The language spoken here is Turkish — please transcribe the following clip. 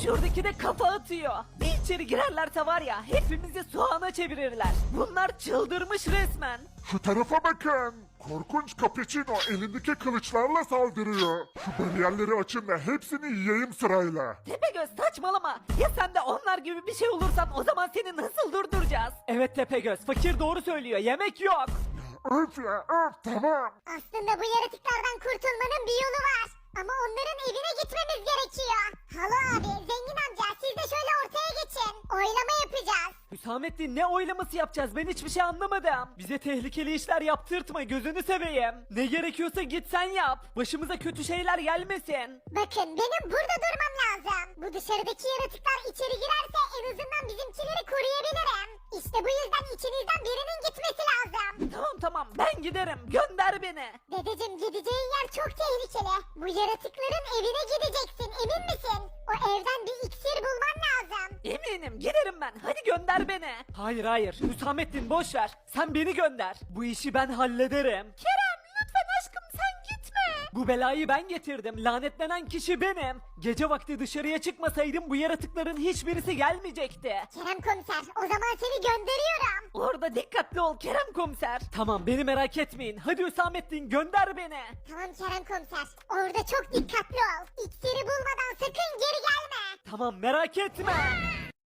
Şuradaki de kafa atıyor. Bir içeri girerlerse var ya hepimizi soğana çevirirler. Bunlar çıldırmış resmen. Şu tarafa bakın. Korkunç Capuchino elindeki kılıçlarla saldırıyor. Şu bariyerleri açın da hepsini yiyeyim sırayla. Tepegöz saçmalama. Ya sen de onlar gibi bir şey olursan o zaman seni nasıl durduracağız? Evet Tepegöz, fakir doğru söylüyor. Yemek yok. Öf ya öf, tamam. Aslında bu yaratıklardan kurtulmanın bir yolu var. Ama onların evine gitmemiz gerekiyor. Halo abi, zengin amca siz de şöyle ortaya geçin. Oylama yapacağız. Hüsamettin ne oylaması yapacağız ben hiçbir şey anlamadım. Bize tehlikeli işler yaptırtma gözünü seveyim. Ne gerekiyorsa git sen yap. Başımıza kötü şeyler gelmesin. Bakın benim burada durmam lazım. Bu dışarıdaki yaratıklar içeri girerse en azından bizimkileri koruyabilirim. İşte bu yüzden içinizden birinin gitmesi lazım. Tamam ben giderim gönder beni. Dedeciğim gideceğin yer çok tehlikeli. Bu yaratıkların evine gideceksin emin misin? O evden bir iksir bulman lazım. Eminim giderim ben hadi gönder beni. Hayır Hüsamettin boş ver sen beni gönder. Bu işi ben hallederim. Kerem lütfen aşkım sen gitme. Bu belayı ben getirdim lanetlenen kişi benim. Gece vakti dışarıya çıkmasaydım bu yaratıkların hiçbirisi gelmeyecekti. Kerem komiser o zaman seni gönderiyorum. Orada dikkatli ol Kerem komiser. Tamam beni merak etmeyin hadi Hüsamettin gönder beni. Tamam Kerem komiser orada çok dikkatli ol. İksiri bulmadan sakın geri gelme. Tamam merak etme.